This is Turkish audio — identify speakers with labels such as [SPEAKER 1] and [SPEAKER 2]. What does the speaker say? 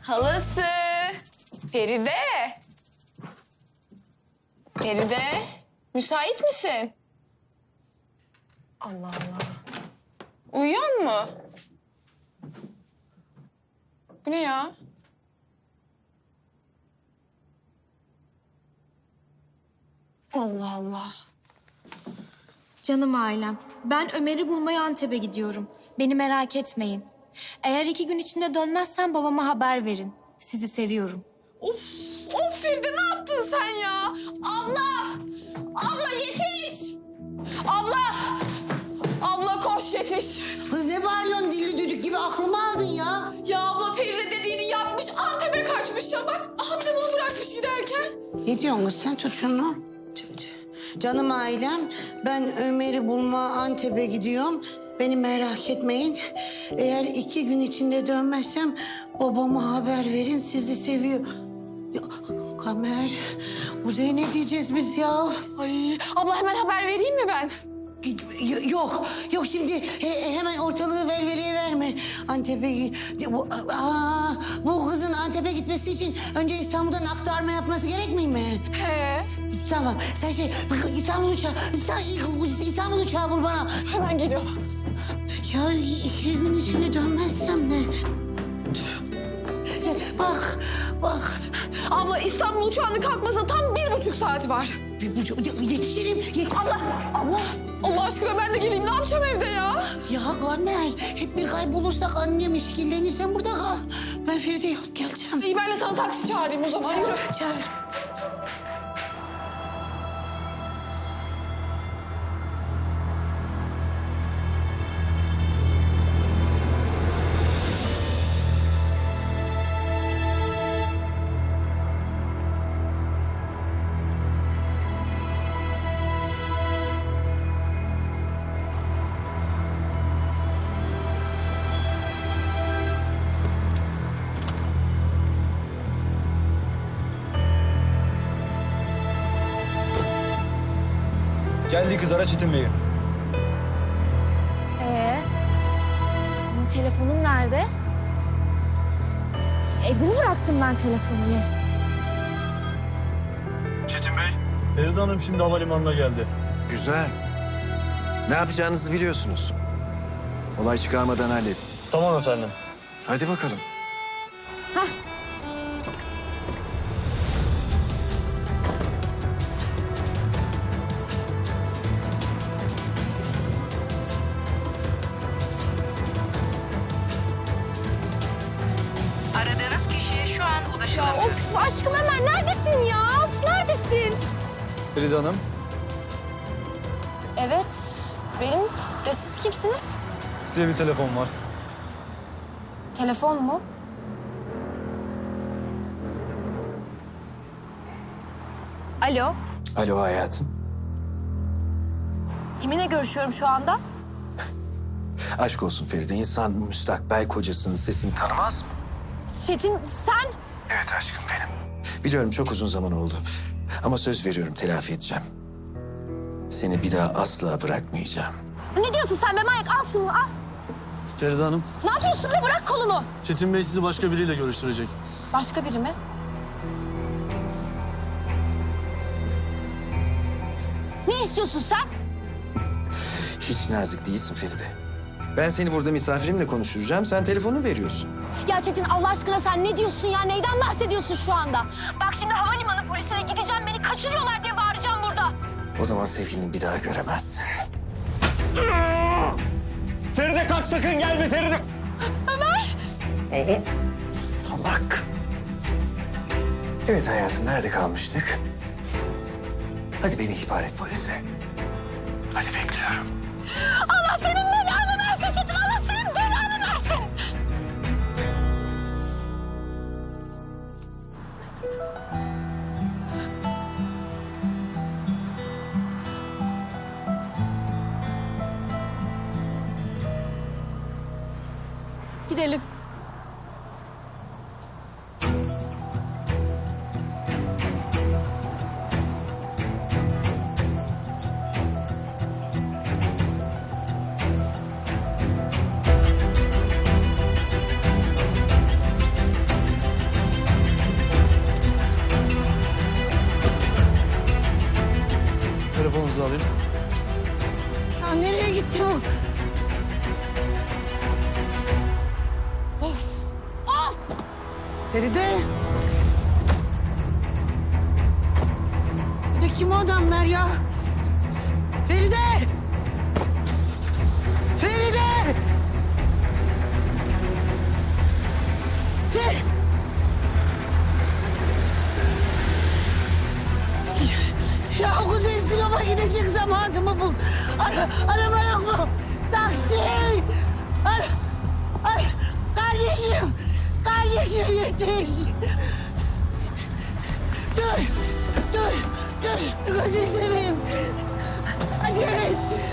[SPEAKER 1] Halası. Feride. Feride, müsait misin? Allah Allah. Uyuyor mu? Bu ne ya? Allah Allah.
[SPEAKER 2] Canım ailem, ben Ömer'i bulmaya Antep'e gidiyorum. Beni merak etmeyin. Eğer 2 gün içinde dönmezsem babama haber verin. Sizi seviyorum.
[SPEAKER 1] Of Feride ne yaptın sen ya? Abla! Abla yetiş! Abla! Abla koş yetiş!
[SPEAKER 3] Kız ne bağırıyorsun dilli düdük gibi aklımı aldın ya.
[SPEAKER 1] Ya abla Feride dediğini yapmış, Antep'e kaçmış ya bak. Aha bir de bunu bırakmış giderken.
[SPEAKER 3] Ne diyorsun kız sen tut şunu. Canım ailem ben Ömer'i bulma Antep'e gidiyorum. Beni merak etmeyin. Eğer 2 gün içinde dönmezsem babama haber verin sizi seviyor. Ya, Kamer, Kuzey ne diyeceğiz biz ya?
[SPEAKER 1] Ay abla hemen haber vereyim mi ben?
[SPEAKER 3] Yok, yok şimdi hemen ortalığı velveleye verme. Antep'e bu kızın Antep'e gitmesi için önce İstanbul'dan aktarma yapması gerekmiyor mi?
[SPEAKER 1] He.
[SPEAKER 3] Tamam, sen İstanbul uçağı bul bana.
[SPEAKER 1] Hemen geliyor.
[SPEAKER 3] Ya 2 gün içinde dönmezsem ne? Dur. Ya, bak.
[SPEAKER 1] Abla İstanbul uçağının kalkmasına tam 1,5 saat var.
[SPEAKER 3] Yetişirim.
[SPEAKER 1] Abla Allah aşkına ben de geleyim ne yapacağım evde ya?
[SPEAKER 3] Ya Kamer, hep bir kaybolursak annem işkillenir. Sen burada kal. Ben Feride'yi alıp geleceğim.
[SPEAKER 1] İyi ben de sana taksi çağırayım o zaman. Yürü.
[SPEAKER 3] Çağır.
[SPEAKER 4] Geldi kız ara Çetin Bey'i.
[SPEAKER 2] Benim telefonum nerede? Evde mi bıraktım ben telefonumu?
[SPEAKER 4] Çetin Bey. Feride Hanım şimdi havalimanına geldi.
[SPEAKER 5] Güzel. Ne yapacağınızı biliyorsunuz. Olay çıkarmadan halledin.
[SPEAKER 4] Tamam efendim.
[SPEAKER 5] Hadi bakalım.
[SPEAKER 6] Aradığınız kişiye şu an ulaşılamıyor.
[SPEAKER 2] Of aşkım Ömer neredesin ya? Neredesin?
[SPEAKER 4] Feride Hanım.
[SPEAKER 2] Evet, benim. De siz kimsiniz?
[SPEAKER 4] Size bir telefon var.
[SPEAKER 2] Telefon mu? Alo,
[SPEAKER 5] Alo hayatım.
[SPEAKER 2] kiminle görüşüyorum şu anda?
[SPEAKER 5] Aşk olsun Feride. İnsan müstakbel kocasının sesini tanımaz mı?
[SPEAKER 2] Çetin sen?
[SPEAKER 5] Evet aşkım benim. Biliyorum çok uzun zaman oldu. Ama söz veriyorum telafi edeceğim. Seni bir daha asla bırakmayacağım.
[SPEAKER 2] Ne diyorsun sen be manyak? Al şunu al.
[SPEAKER 4] Feride Hanım.
[SPEAKER 2] Ne yapıyorsun be? Bırak kolumu.
[SPEAKER 4] Çetin Bey sizi başka biriyle görüştürecek.
[SPEAKER 2] Başka biri mi? Ne istiyorsun sen?
[SPEAKER 5] Hiç nazik değilsin Feride. Ben seni burada misafirimle konuşturacağım. Sen telefonu veriyorsun.
[SPEAKER 2] Ya Çetin Allah aşkına sen ne diyorsun ya? Neyden bahsediyorsun şu anda? Bak şimdi havalimanı polisine gideceğim. Beni kaçırıyorlar diye bağıracağım burada.
[SPEAKER 5] O zaman sevgilini bir daha göremezsin.
[SPEAKER 4] Feride kaç sakın gelme Feride.
[SPEAKER 5] Salak. Evet hayatım, nerede kalmıştık? Hadi beni ihbar et polise. Hadi bekliyorum.
[SPEAKER 2] Allah senin belanı versin Çetin. Allah senin belanı versin. Gidelim.
[SPEAKER 4] alayım.
[SPEAKER 3] Ya nereye gitti bu? Feride. Bir de kim o adamlar ya? Feride! Feride! Ya Kuzey Sinop'a gidecek zamanımı bul. Araba yok mu? Taksi! Kardeşim! Kardeşim yetiş! Dur! Gözünü seveyim. Hadi!